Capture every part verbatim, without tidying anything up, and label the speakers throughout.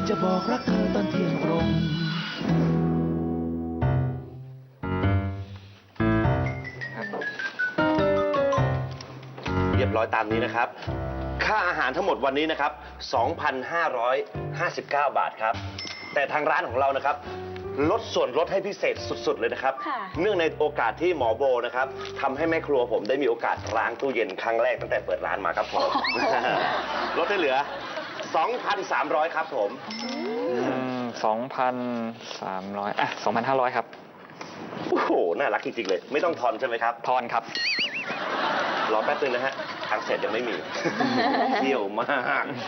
Speaker 1: จะบอกรักเธอตอนเที่ยงตรง
Speaker 2: เรียบร้อยตามนี้นะครับ ค่าอาหารทั้งหมดวันนี้นะครับ สองพันห้าร้อยห้าสิบเก้า บาทครับ แต่ทางร้านของเรานะครับลดส่วนลดให้พิเศษสุดๆเลยนะครับ เนื่องในโอกาสที่หมอโบนะครับทำให้แม่ครัวผมได้มีโอกาสล้างตู้เย็นครั้งแรกตั้งแต่เปิดร้านมาครับผม ลดให้เหลือ สองพันสามร้อย ครับผม
Speaker 3: สองพันสามร้อยอ่ะสองพันห้าร้อยครับ
Speaker 2: โอ้โห น่ารักจริงๆเลย ไม่ต้องทอนใช่ไหมครับ
Speaker 3: ทอนครับ
Speaker 2: รอแป๊บนึงนะฮะ ทางเสร็จยังไม่มี เที่ยวมาก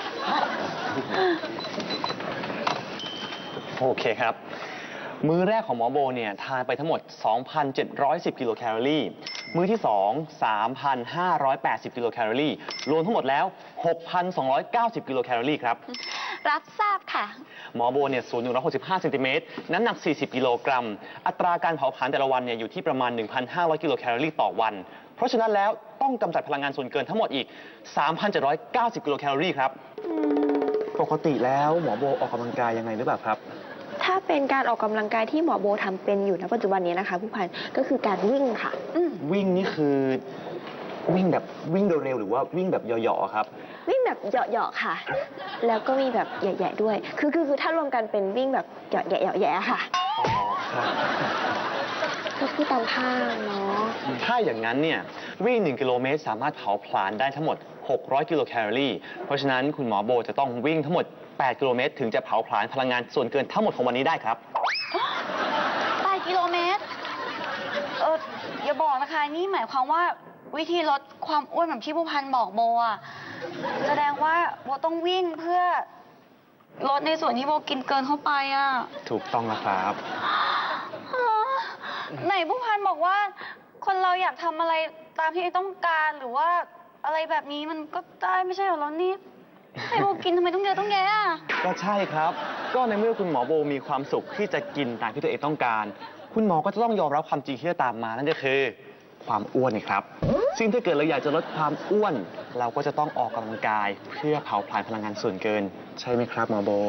Speaker 4: โอเคครับ มื้อแรกของหมอโบเนี่ยทานไปทั้งหมด สองพันเจ็ดร้อยสิบ กิโลแคลอรี่ มื้อที่ สอง สามพันห้าร้อยแปดสิบ กิโลแคลอรี่ รวมทั้งหมดแล้ว หกพันสองร้อยเก้าสิบ กิโลแคลอรี่ครับ
Speaker 5: รับทราบค่ะ
Speaker 4: หมอโบเนี่ยสูงหนึ่งร้อยหกสิบห้าเซนติเมตร น้ำหนัก สี่สิบ กิโลกรัม อัตราการเผาผลาญแต่ละวันเนี่ยอยู่ที่ประมาณ หนึ่งพันห้าร้อย กิโลแคลอรี่ต่อวัน เพราะฉะนั้นแล้วต้องกำจัดพลังงานส่วนเกินทั้งหมดอีก สามพันเจ็ดร้อยเก้าสิบ กิโลแคลอรี่ครับ ปกติแล้วหมอโบออกกำลังกายยังไงหรือเปล่าครับ
Speaker 5: ถ้าเป็นการออกกำลังกายที่หมอโบทำเป็นอยู่ณปัจจุบันนี้นะคะผู้พันก็คือการวิ่งค่ะ อืม
Speaker 4: วิ่งนี่คือวิ่งแบบวิ่งเร็วๆหรือว่าวิ่งแบบเหยาะๆครับ
Speaker 5: วิ่งแบบเหยาะๆค่ะ แล้วก็มีแบบแย่ๆด้วย คือคือคือถ้ารวมกันเป็นวิ่งแบบเหยาะแย่ๆแย่ๆค่ะ
Speaker 4: อ๋อครับ
Speaker 5: ก็คือตามท่าเนาะ
Speaker 4: ถ้าอย่างนั้นเนี่ยวิ่งหนึ่งกิโลเมตรสามารถเผาผลาญได้ทั้งหมด หกร้อย กิโลแคลอรี่ เพราะฉะนั้นคุณหมอโบจะต้องวิ่งทั้งหมด แปด กิโลเมตรถึงจะเผาผลาญพลังงานส่วนเกินทั้งหมดของวันนี้ได้ครับ
Speaker 6: แปดกิโลเมตร เอออย่าบอกนะคะ นี่หมายความว่าวิธีลดความอ้วนแบบที่ผู้พันบอกโบอะแสดงว่าโบต้องวิ่งเพื่อลดในส่วนที่โบกินเกินเข้าไปอะ
Speaker 4: ถูกต้องนะครับ
Speaker 6: ฮะไหนผู้พันบอกว่า คนเราอยากทำอะไรตามที่ต้องการหรือว่าอะไรแบบนี้มันก็ได้ไม่ใช่เหรอแล้วนี่ให้โบกินทำไมต้องเยอะต้องแยะอะ
Speaker 4: ก็ใช่ครับ ก็ในเมื่อคุณหมอโบมีความสุขที่จะกินตามที่ตัวเองต้องการ คุณหมอก็จะต้องยอมรับความจริงที่จะตามมานั่นก็คือ ความอ้วนนี่ครับ ซึ่งถ้าเกิดเราอยากจะลดความอ้วน เราก็จะต้องออกกำลังกาย เพื่อเผาผลาญพลังงานส่วนเกิน ใช่ไหมครับหมอโบ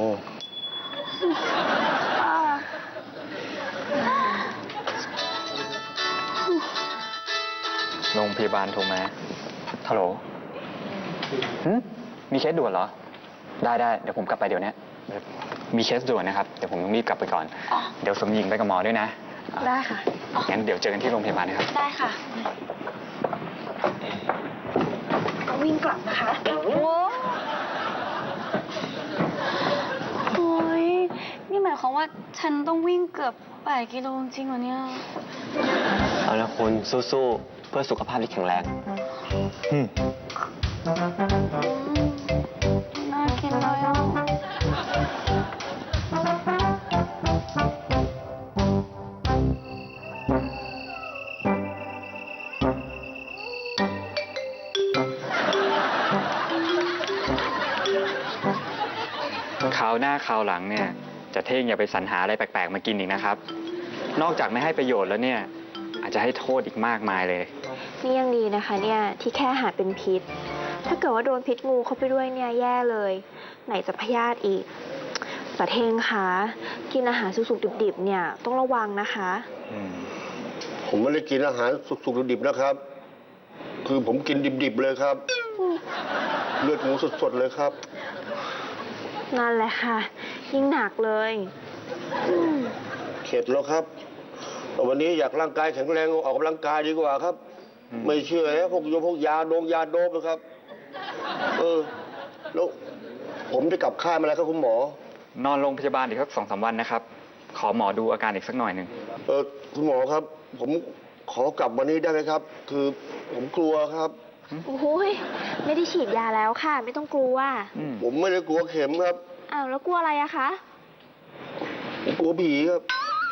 Speaker 6: อ่า
Speaker 3: โรงพยาบาลโทรมาฮัลโหลหึมีเคสด่วนเหรอ ได้ได้เดี๋ยวผมกลับไปเดี๋ยวนี้มีเคสด่วนนะครับ เดี๋ยวผมต้องรีบกลับไปก่อน เดี๋ยวสมหญิงไปกับหมอด้วยนะ
Speaker 5: ได้ค่ะ
Speaker 3: งั้นเดี๋ยวเจอกันที่โรงพยาบาลนะครับ
Speaker 6: ได้ค่ะ
Speaker 5: ก็วิ่งกลับนะคะ
Speaker 6: โอ้โอ้ยนี่หมายความว่าฉันต้องวิ่งเกือบแปดกิโลจริงเหรอเนี่ย
Speaker 4: เอาละคุณสู้ๆ เพื่อสุขภาพที่แข็งแรงอืม
Speaker 6: น่ากินเลยอ่ะ
Speaker 3: คราวหน้าคราวหลังเนี่ย จะเท่งอย่าไปสรรหาอะไรแปลกๆมากินอีกนะครับ นอกจากไม่ให้ประโยชน์แล้วเนี่ย อาจจะให้โทษอีกมากมายเลย
Speaker 5: นี่ยังดีนะคะเนี่ยที่แค่อาหารเป็นพิษ ถ้าเกิดว่าโดนพิษงูเข้าไปด้วยเนี่ยแย่เลย ไหนจะพยาธิอีกแต่เทงคะกินอาหารสุกๆดิบๆเนี่ยต้องระวังนะคะ
Speaker 7: ผมไม่ได้กินอาหารสุกๆดิบๆนะครับ คือผมกินดิบๆเลยครับ เลือดหมูสดๆเลยครับ
Speaker 5: นั่นแหละค่ะ ยิ่งหนักเลยอืม
Speaker 7: เข็ดแล้วครับแต่วันนี้อยากร่างกายแข็งแรงออกกำลังกายดีกว่าครับ ไม่เชื่อแล้วพวกโยพวกยาโดงยาโดบนะครับ เออ แล้วผมจะกลับค่ายมาแล้วครับคุณหมอ
Speaker 3: นอนโรงพยาบาลอีกสักสองสามวันนะครับ ขอหมอดูอาการอีกสักหน่อยหนึ่ง
Speaker 7: เออคุณหมอครับ ผมขอกลับวันนี้ได้ไหมครับ คือผมกลัวครับ
Speaker 5: โอ้ยไม่ได้ฉีดยาแล้วค่ะ ไม่ต้องกลัว
Speaker 7: ผมไม่ได้กลัวเข็มครับ
Speaker 5: อ้าวแล้วกลัวอะไรอะคะ
Speaker 7: ผมกลัวผีครับ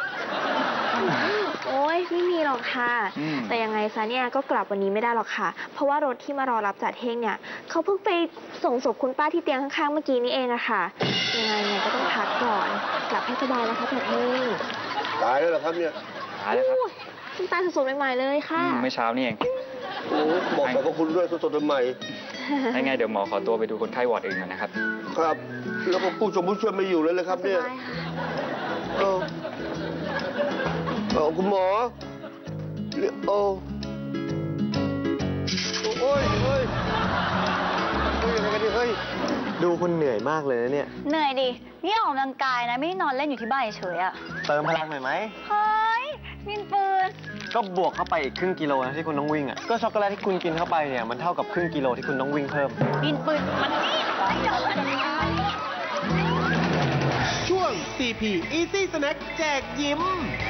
Speaker 5: โอ้ยไม่มีหรอกค่ะ
Speaker 3: อืม
Speaker 5: แต่ยังไงซะเนี่ยก็กลับวันนี้ไม่ได้หรอกค่ะ เพราะว่ารถที่มารอรับจัดเฮงเนี่ยเขาเพิ่งไปส่งศพคุณป้าที่เตียงข้างๆเมื่อกี้นี้เองอะค่ะ ยังไงเนี่ยก็ต้องพักก่อน กลับให้สบายนะคะจัดเฮง
Speaker 7: ตายแล้วเหรอครับเนี่ย
Speaker 3: ตายแล้วครับ
Speaker 5: คุณป้าสดๆใหม่ๆเลยค่ะ
Speaker 3: อืมเมื่อเช้านี่เอง
Speaker 7: โอ้บอกขอบพระคุณด้วยสดๆใหม่
Speaker 5: ค
Speaker 3: ถ้าไงเดี๋ยวหมอขอตัวไปดูคนไข้วอร์ดอื่นก่อนนะครับ
Speaker 7: ครับ แล้วก็ผู้ชมผู้ช่วยไม่อยู่เลยเลยครับเนี่ย
Speaker 5: สบายค่ะ
Speaker 7: เออเออคุณหมอเรียกโอ้โอ้ยเฮ้ยเฮ้ยยังไงกันดิเฮ้ย
Speaker 8: ดูคุณเหนื่อยมากเลยนะเนี่ย
Speaker 6: เหนื่อยดิ นี่ออกกำลังกายนะ ไม่ได้นอนเล่นอยู่ที่บ้านเฉยๆอะ
Speaker 8: เติมพลังหน่อยไหม
Speaker 6: เฮ้ยมินปืน
Speaker 8: ก็บวกเข้าไปอีกครึ่งกิโลนะที่คุณต้องวิ่งอ่ะ ก็ช็อกโกแลตที่คุณกินเข้าไปเนี่ยมันเท่ากับครึ่งกิโลที่คุณต้องวิ่งเพิ่ม
Speaker 6: มินปืน มันนี่ไม่ยอมมัน
Speaker 1: ช่วง ซี พี Easy Snack แจกยิ้ม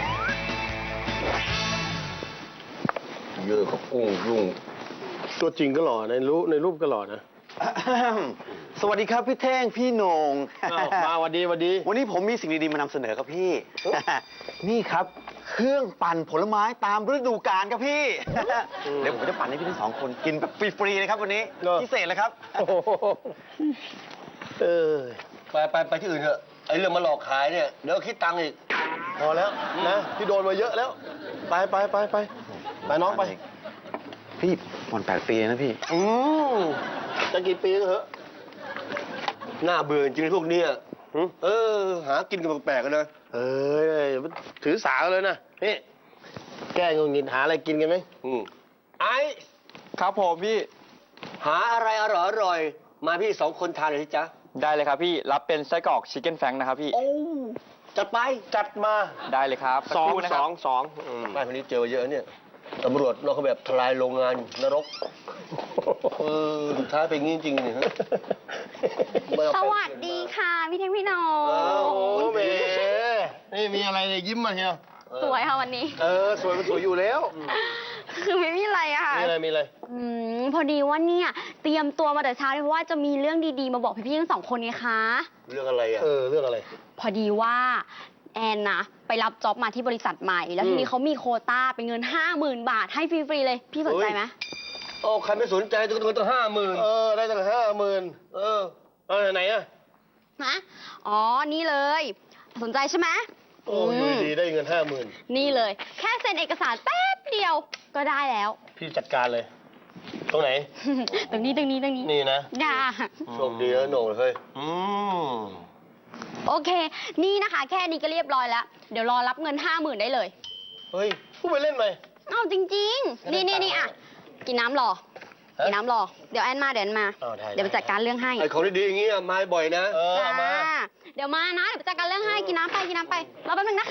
Speaker 7: เยอะกับกุ้งยุ่งตัวจริงก็หล่อในรูปในรูปก็หล่อนะ
Speaker 8: สวัสดีครับพี่เท่งพี่โหนง
Speaker 7: อ้าวมาวันดีวันดี
Speaker 8: วันนี้ผมมีสิ่งดีๆมานำเสนอครับพี่ นี่ครับ เครื่องปั่นผลไม้ตามฤดูกาลครับพี่ เดี๋ยวผมจะปั่นให้พี่ทั้งสองคนกินแบบฟรีๆเลยครับวันนี้
Speaker 7: เหรอ
Speaker 8: พิเศษเลยครับ
Speaker 7: โอ้โหเออไปไปไปที่อื่นเถอะไอ้เรื่องมาหลอกขายเนี่ยเดี๋ยวคิดตังค์อีก พอแล้วนะพี่โดนมาเยอะแล้ว ไปไปไปไปไปน้องไป
Speaker 8: พี่ผ่อนแปดปีนะพี่
Speaker 7: อืมจะกี่ปีก็เถอะน่าเบื่อจริงๆพวกเนี้ยหึเออ หากินกันแปลกๆกันนะเออถือสาเลยนะนี่แก้งงงินหาอะไรกินกันไหมอืมไอ้
Speaker 3: ครับผมพี่
Speaker 7: หาอะไรอร่อยอร่อยๆมาพี่สองคนทานเลยสิจ๊ะ
Speaker 3: ได้เลยครับพี่ รับเป็นไส้กรอกชิคเก้นแฟงนะครับพี่
Speaker 7: โอ้จัดไปจัดมา
Speaker 3: ได้เลยครับสัก
Speaker 7: สอ
Speaker 3: ค
Speaker 7: ง
Speaker 3: รู่นะค
Speaker 7: ส
Speaker 3: รับ
Speaker 7: องสองบ้านคนนี้เจอเยอะเนี่ยตำรวจเราเขาแบบทลายโรงงานนรกเออสุดท้ายเป็นงี้จริงๆเนี่ยฮะ
Speaker 5: สวัสดีค่ะ พี่เท่งพี่โหน
Speaker 7: โอ้
Speaker 5: ง
Speaker 7: โหแหมนี่มีอะไรเนี่ยยิ้มมาเชียว
Speaker 5: สวยค่ะวันนี้
Speaker 7: เออสวยมันสวยอยู่แล้ว
Speaker 5: คือไม่มีอะไรอะค่ะ
Speaker 7: มีอะไรมีอะไร
Speaker 9: อืมพอดีว่าเนี่ยเตรียมตัวมาแต่เช้าเลยเพราะว่าจะมีเรื่องดีๆมาบอกพี่ๆทั้งสองคนไงคะ
Speaker 7: เรื่องอะไรอ่ะเออเรื่องอะไร
Speaker 9: พอดีว่าแอนนะไปรับจ็อบมาที่บริษัทใหม่ แล้วทีนี้เขามีโควต้าเป็นเงินห้าหมื่นบาทให้ฟรีๆเลย พี่สนใจไหม
Speaker 7: โอ้ใครไม่สนใจต้องเงินตั้งห้าหมื่นเออได้ตั้งห้าหมื่นเออเออไหนอ่ะ
Speaker 9: นะอ๋อนี่เลย สนใจใช่ไหม
Speaker 7: โอ้ยดีได้เงินห้าหมื่น
Speaker 9: นี่เลย แค่เซ็นเอกสารแป๊บเดียวก็ได้แล้ว
Speaker 7: พี่จัดการเลย ตรงไหน
Speaker 9: ตรงนี้ตรงนี้ตรงนี้
Speaker 7: นี่นะ
Speaker 9: อย่า
Speaker 7: โชคดีนะโหน่งเฮ้ยอืม
Speaker 9: โอเค นี่นะคะ แค่นี้ก็เรียบร้อยแล้ว เดี๋ยวรอรับเงินห้าหมื่นได้เลย
Speaker 7: เฮ้ยพูดไปเล่นไหม
Speaker 9: เอาจริงๆ นี่นี่นี่อ่ะ กินน้ำรอ
Speaker 7: ฮะ
Speaker 9: กินน้ำรอ เดี๋ยวแอนมา เดี๋ยวแอนมา
Speaker 7: อ้าวได้
Speaker 9: เดี๋ยวไปจัดการเรื่องให้
Speaker 7: ไอ้ของดีๆอย่างงี้อะมาบ่อยนะ เออ
Speaker 9: จ้า
Speaker 7: เอามา
Speaker 9: เดี๋ยวมานะ เดี๋ยวไปจัดการเรื่องให้ กินน้ำไป กินน้ำไป รอแป๊บนึงนะคะ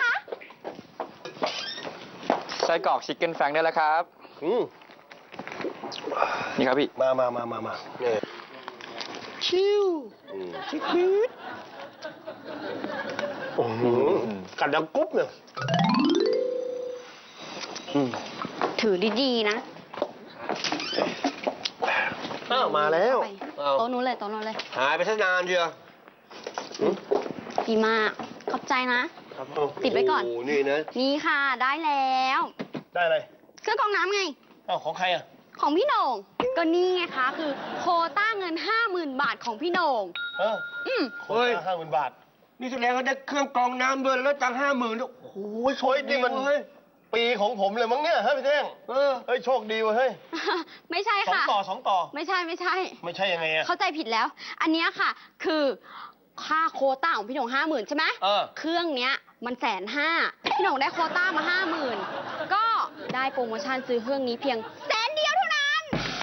Speaker 3: ไส้กรอกชิคเก้นแฟงได้แล้วครับ
Speaker 7: อืม
Speaker 3: นี่ครับพี่
Speaker 7: มามามามามาเนี่ยชิวอืมชิคิดโอ้โหกัดดังกุ๊บเนี่ยอืม
Speaker 9: ถือดีๆนะ
Speaker 7: อ้าวมาแล้ว
Speaker 9: ไป
Speaker 7: อ้าว
Speaker 9: โต๊ะนู้นเลยโต๊ะนู้นเลย
Speaker 7: หายไปซะนานเชียวอืม
Speaker 9: ดีมาก ขอบใจนะ ติดไว้ก่อน
Speaker 7: โอ้โหนี่นะ
Speaker 9: นี่ค่ะ ได้แล้ว
Speaker 7: ได้เลย
Speaker 9: เครื่องกรองน้ำไง
Speaker 7: อ้าวของใครอ่ะ
Speaker 9: ของพี่โหน่ง ก็นี่ไงคะ คือโควต้าเงินห้าหมื่นบาทของพี่โหน่ง
Speaker 7: เออ
Speaker 9: อืม
Speaker 7: เฮ้ยห้าหมื่นบาท นี่แสดงว่าได้เครื่องกรองน้ำด้วยแล้วตังห้าหมื่นโอ้โหโชคดีมันปีของผมเลยมั้งเนี่ยเฮ้ยพี่เท่งเออเฮ้ยโชคดีเว้ยเฮ้ย
Speaker 9: ไม่ใช่
Speaker 7: สอง
Speaker 9: ค่ะ
Speaker 7: ต่อสองต่อ
Speaker 9: ไม่ใช่ไม่ใช่
Speaker 7: ไม่ใช่ยังไงอะ
Speaker 9: เข้าใจผิดแล้ว อันเนี้ยค่ะ คือค่าโควต้าของพี่โหน่งห้าหมื่นใช่ไหม
Speaker 7: เออ
Speaker 9: เครื่องเนี้ยมันแสนห้าพี่โหน่งได้โควต้ามาห้าหมื่นก็ได้โปรโมชั่นซื้อเครื่องนี้เพียงแสนเดียวเท่านั้น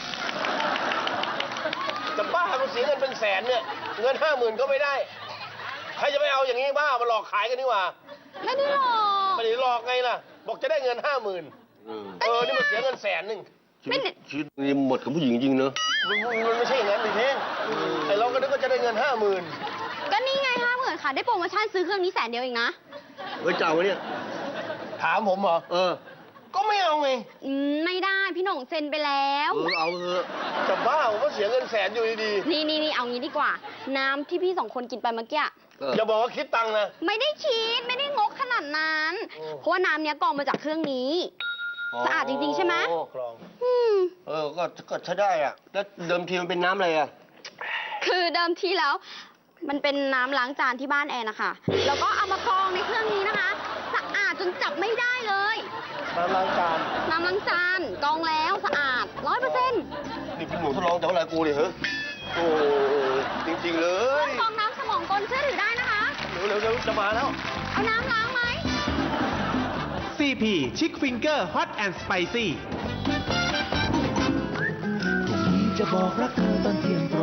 Speaker 7: จะบ้ามันเสียเงินเป็นแสนเนี่ย เงินห้าหมื่นก็ไม่ได้ ใครจะไปเอาอย่างนี้บ้ามาหลอกขายกันนี่หว่า
Speaker 9: ไม่ได้หรอก
Speaker 7: ไม่ได้หลอกไงล่ะ บอกจะได้เงินห้าหมื่นเออ นี่มันเสียเงินแสนหนึ่ง
Speaker 9: ไม่ได้
Speaker 7: ชีวิตนี่หมดกับผู้หญิงจริงเนอะมันมันไม่ใช่อย่างนั้นดิเท่งไอ้เราก็นึกว่าจะได้เงินห้าหมื่น
Speaker 9: ก็นี่ไงห้าหมื่นค่ะ ได้โปรโมชั่นซื้อเครื่องนี้แสนเดียวเองนะ
Speaker 7: เฮ้ยเจ้าวะเนี่ย ถามผมเหรอ เออ ก็ไม่เอาไง
Speaker 9: อืมไม่ได้พี่โหน่งเซ็นไปแล้ว
Speaker 7: เออเอาเถอะจะบ้าผมว่าเสียเงินแสนอยู่ดี
Speaker 9: นี่นี่นี่เอางี้ดีกว่า น้ำที่พี่สองคนกินไปเมื่อกี้
Speaker 7: ๆอย่าบอกว่าคิดตังค์นะ
Speaker 9: ไม่ได้คิดไม่ได้งกขนาดนั้น
Speaker 7: โอ้
Speaker 9: เพราะว่าน้ำเนี้ยกรองมาจากเครื่องนี้ สะอาดจริงๆใช่ไหม
Speaker 7: โอ้คลอง
Speaker 9: อืม
Speaker 7: เออ ก็ก็ใช้ได้อ่ะ แล้วเดิมทีมันเป็นน้ำอะไรอ่ะ
Speaker 9: คือเดิมทีแล้ว มันเป็นน้ำล้างจานที่บ้านแอนนะคะแล้วก็เอามากรองในเครื่องนี้นะคะ สะอาดจนจับไม่ได้เลย
Speaker 7: น้ำล้างจาน
Speaker 9: น้ำล้างจานกรองแล้วสะอาดร้อยเปอร์เซ็นต์
Speaker 7: ดนี่คุณหนูทดลองจากอะไรกูเนี่ยเหรอโอ้จริงๆเลย
Speaker 9: ฟองน้ำสมองกลเชื่อถือได้นะคะ
Speaker 7: เร็วๆเร็วๆจะมาแล้ว
Speaker 9: เอาน้ำล้างไหม
Speaker 1: ซี พี ชิคฟิงเกอร์ฮอตแอนด์สไปซี่
Speaker 10: จะบอกรักเธอตอนเที่ยงตร